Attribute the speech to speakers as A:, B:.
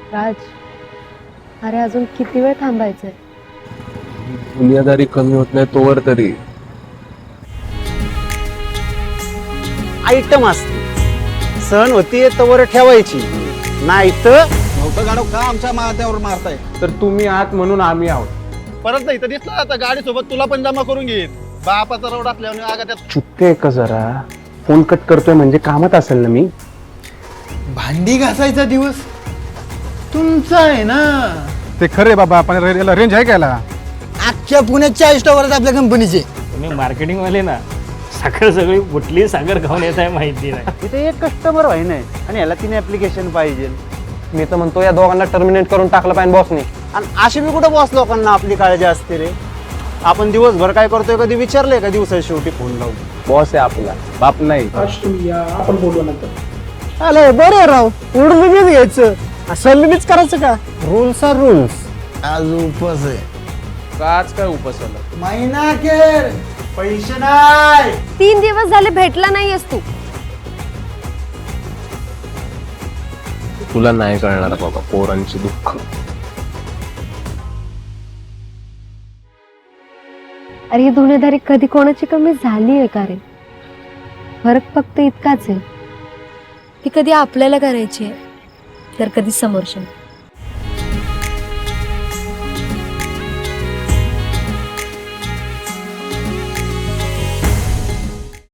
A: राज, अरे अजून किती वेळ थांबायचंय?
B: दुनियादारी कमी होत नाही तोवर तरी.
C: आयटम असते, सण होतीये तवर ठेवायची, नाही तर
D: नव्हतं गाडव का आमच्या माथ्यावर मारताय?
B: तर तुम्ही आहात म्हणून आम्ही आहोत.
E: परत नाही तर दिसला आता गाडी सोबत तुला पण जमा करून घेईन. बापाचा रोड असल्याने आगा त्यात
B: चुकते का जरा? फोन कट करतोय म्हणजे कामात असेल ना मी.
D: भांडी घासायचा दिवस तुमचा आहे ना.
F: ते खरे बाबा, आपण याला रेंज आहे का याला?
D: अख्ख्या पुण्यात 40 टॉवर आपल्या कंपनीचे.
G: तुम्ही मार्केटिंग वाले ना, साखर सगळी कुठली साखर खाऊन येत आहे माहिती नाही.
C: तिथे एक कस्टमर व्हाय नाही आणि ह्याला 3 ऍप्लिकेशन पाहिजे.
B: मी तर म्हणतो या दोघांना टर्मिनेट करून टाकलं पाहिजे बॉसने.
C: आणि अशी मी कुठं बॉस लोकांना आपली काळजी असते रे. आपण दिवसभर काय करतोय कधी विचारलंय का दिवसाच्या शेवटी फोन लावून?
B: बॉस आहे आपला, बाप नाही.
C: आलं बरं राव, उडून घ्यायचं असं मीच करायचं का? Rules are rules.
D: आज उपवास आहे.
B: आज काय उपसवलं?
D: महिना अखेर पैसे नाही.
A: 3 दिवस झाले भेटला नाहीयेस तू.
B: तुला नाही कळणार बाबा पोरांची दुःख.
A: अरे ही दुनियादारी कधी कोणाची कमी झाली आहे का रे? फरक फक्त इतकाच आहे, ती कधी आपल्याला करायची आहे तर कधी समोरच्या.